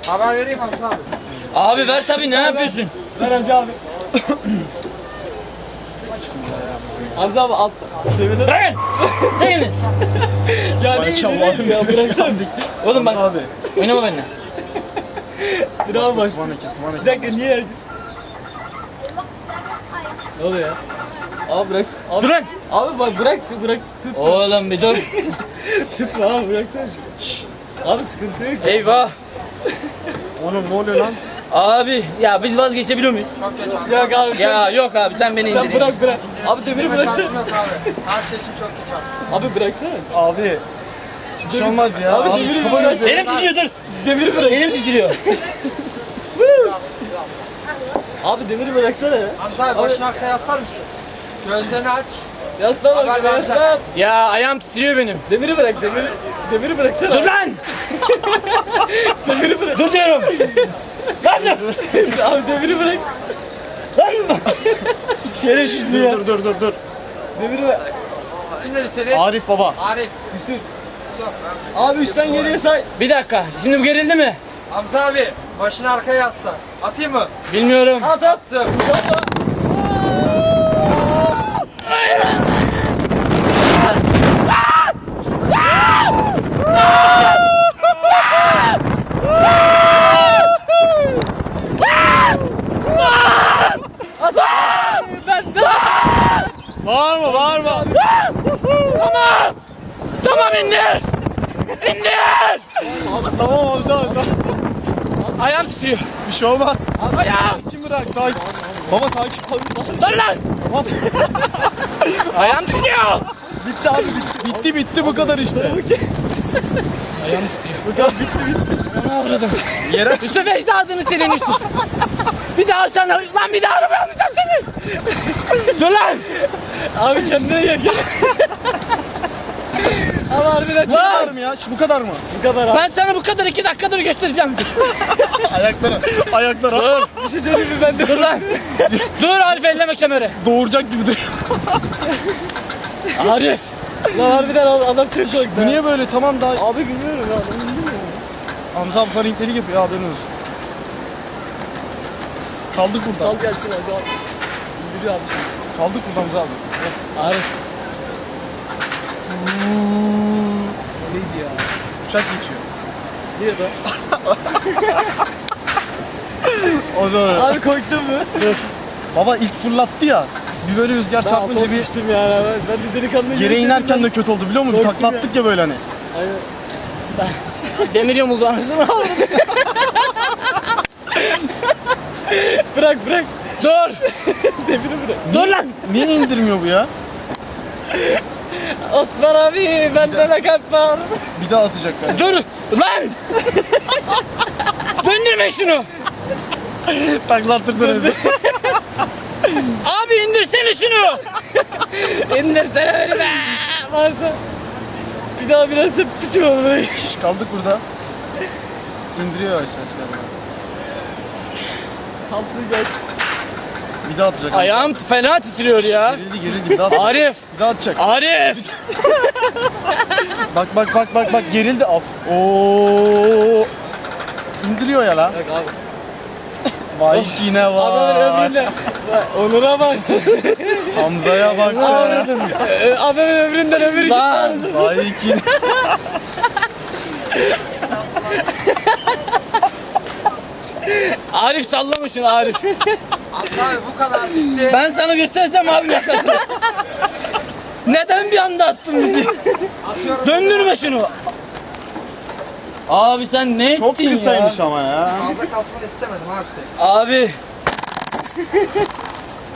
Haber vereyim Hamza abi. Abi ver tabii, ne yapıyorsun? Ver Hacı abi. Hamza abi alt. Bırakın! Çekilin! Ya ne indireyim ya bıraksana. Oğlum bak, Abi. oynama benimle. Dur abi başla. Bir dakika niye? Ne oluyor ya? Abi bırak. Abi, Dur lan! Abi bak bırak tut. Oğlum bir dur. Tutma abi bıraksana şunu. Abi sıkıntı yok. Eyvah! Oğlum ne oluyor lan? Abi ya biz vazgeçebiliyor muyuz? Çok geç abi. Yok abi Ya yok abi, sen beni sen indirin. bırak. Abi demiri Benim bıraksana. şansım yok abi. Her şey için çok geç abi. Abi bıraksana. Abi. Hiç olmaz ya. Abi demiri kafanı bırak. Elim titriyor, dur. Demiri bırak. Elim titriyor. Abi demiri bıraksana ya. Hamza abi başını arkaya yaslar mısın? Gözlerini aç. Yaslan Haber abi vereceğim. yaslan. Ya ayağım titriyor benim. Demiri bırak demiri bıraksana. Dur lan! Demiri bırak. Dur diyorum. Lan dur! Abi demiri bırak. Lan! Şerefsiz mi ya? Dur. Demiri bırak. İsim neydi senin? Arif baba. Arif. Yusuf. Yusuf. Abi 3'ten geriye say. Bir dakika, şimdi bu gerildi mi? Hamza abi başını arkaya yasla. Atayım mı? Bilmiyorum. At. Attım. Bağırma. Tamam indir! İndir! Tamam Hamza abi. Ayağım titriyor. Bir şey olmaz. Ayağım! Kim bırak? Sakin. Baba sakin. Dur lan! Tamam. Ayağım titriyor! Bitti abi bitti. Bitti bu kadar işte. Ayağım titriyor. Bu kadar bitti. Ne avradım? Yere. Yusuf ecdadını senin Yusuf. Bir daha sana, lan bir daha arabaya almayacağım seni. Dur lan! Abi kendine gel. Ama harbiden Bu çok kadar mı ya? Bu kadar mı? bu kadar abi. Ben sana bu kadar 2 dakikadır göstereceğim. Ayaklara. Dur! Bir şey söyleyeyim mi ben de? Dur lan! Dur Arif, elleme kemeri. Doğuracak gibi duruyor. Arif! Lan harbiden adam çok korktu. Bu niye böyle? Tamam daha. Abi bilmiyorum ya. Ben bilmiyorum. Hamza abi sana renkleri yapıyor. Haberin olsun. Kaldık burada. Sal gelsin hacı abi. İndiriyor abi şimdi. Kaldık burada Hamza abi. Arif! O neydi ya? Uçak geçiyor. Nerede? O da. Abi korktun mu? Baba ilk fırlattı ya. Bir böyle rüzgar Ben çarpınca altıma bir sıçtım yani. Ben de delikanlı gibi yere inerken hissettim de kötü oldu biliyor musun? Bir Korktum takla attık ya böyle hani. Aynen. Demir yamuldu anasını aldım. Bırak. Dur! Demiri bırak. Dur lan! Niye indirmiyor bu ya? Osman abi bende de kalp var. Bir daha atacak bence. Dur! Lan! Döndürme şunu! Takla attırsana bize. Abi indirsene şunu! İndirsene beni be. Varsa. Bir daha biraz da piçim olur burayı. Şş, kaldık burada. İndiriyor yavaş yavaş galiba. Samsun gelsin. Bir daha atacak. Ayağım fena titriyor ya. Gerildi bir daha atacak. Arif! Bir daha atacak. Arif! Bak gerildi. Oo. İndiriyor ya lan. Bak abi. Vay yine Adamın vay. ömründe. Onur'a baksın. Hamza'ya bak sen. Adamın ömründen ömür gitti. Lan! Vay yine. Arif sallama şunu Arif. Hamza abi bu kadar bitti. Ben sana göstereceğim abi yakasını. Neden bir anda attın bizi? Atıyorum. Döndürme şunu. Abi sen ne Çok ettin kısaymış ya? ama ya. Fazla kasmanı istemedim abi seni. Abi.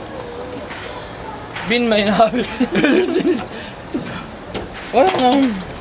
Binmeyin abi. Ölürsünüz. Anam.